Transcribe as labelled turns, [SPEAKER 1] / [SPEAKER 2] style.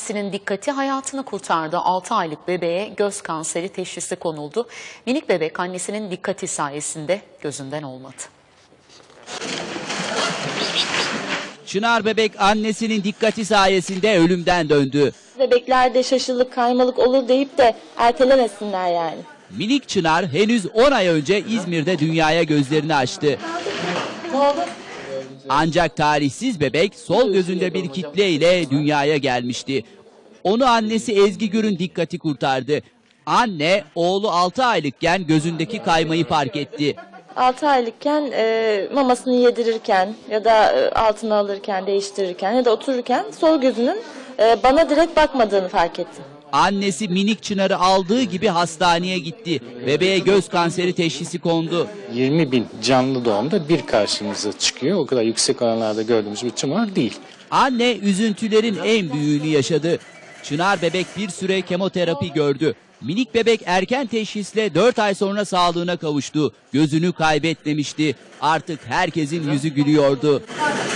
[SPEAKER 1] annesinin dikkati hayatını kurtardı. 6 aylık bebeğe göz kanseri teşhisi konuldu. Minik bebek annesinin dikkati sayesinde gözünden olmadı.
[SPEAKER 2] Çınar bebek annesinin dikkati sayesinde ölümden döndü.
[SPEAKER 3] Bebeklerde şaşılık, kaymalık olur deyip de ertelemesinler yani.
[SPEAKER 2] Minik Çınar henüz 10 ay önce İzmir'de dünyaya gözlerini açtı. Ancak talihsiz bebek sol gözünde bir kitle ile dünyaya gelmişti. Onu annesi Ezgi Gür'ün dikkati kurtardı. Anne oğlu 6 aylıkken gözündeki kaymayı fark etti.
[SPEAKER 3] 6 aylıkken mamasını yedirirken ya da altına alırken, değiştirirken ya da otururken sol gözünün bana direkt bakmadığını fark ettim.
[SPEAKER 2] Annesi minik Çınar'ı aldığı gibi hastaneye gitti. Bebeğe göz kanseri teşhisi kondu.
[SPEAKER 4] 20.000 canlı doğumda bir karşımıza çıkıyor. O kadar yüksek oranlarda gördüğümüz bir tümör değil.
[SPEAKER 2] Anne üzüntülerin en büyüğünü yaşadı. Çınar bebek bir süre kemoterapi gördü. Minik bebek erken teşhisle 4 ay sonra sağlığına kavuştu. Gözünü kaybetmemişti. Artık herkesin yüzü gülüyordu.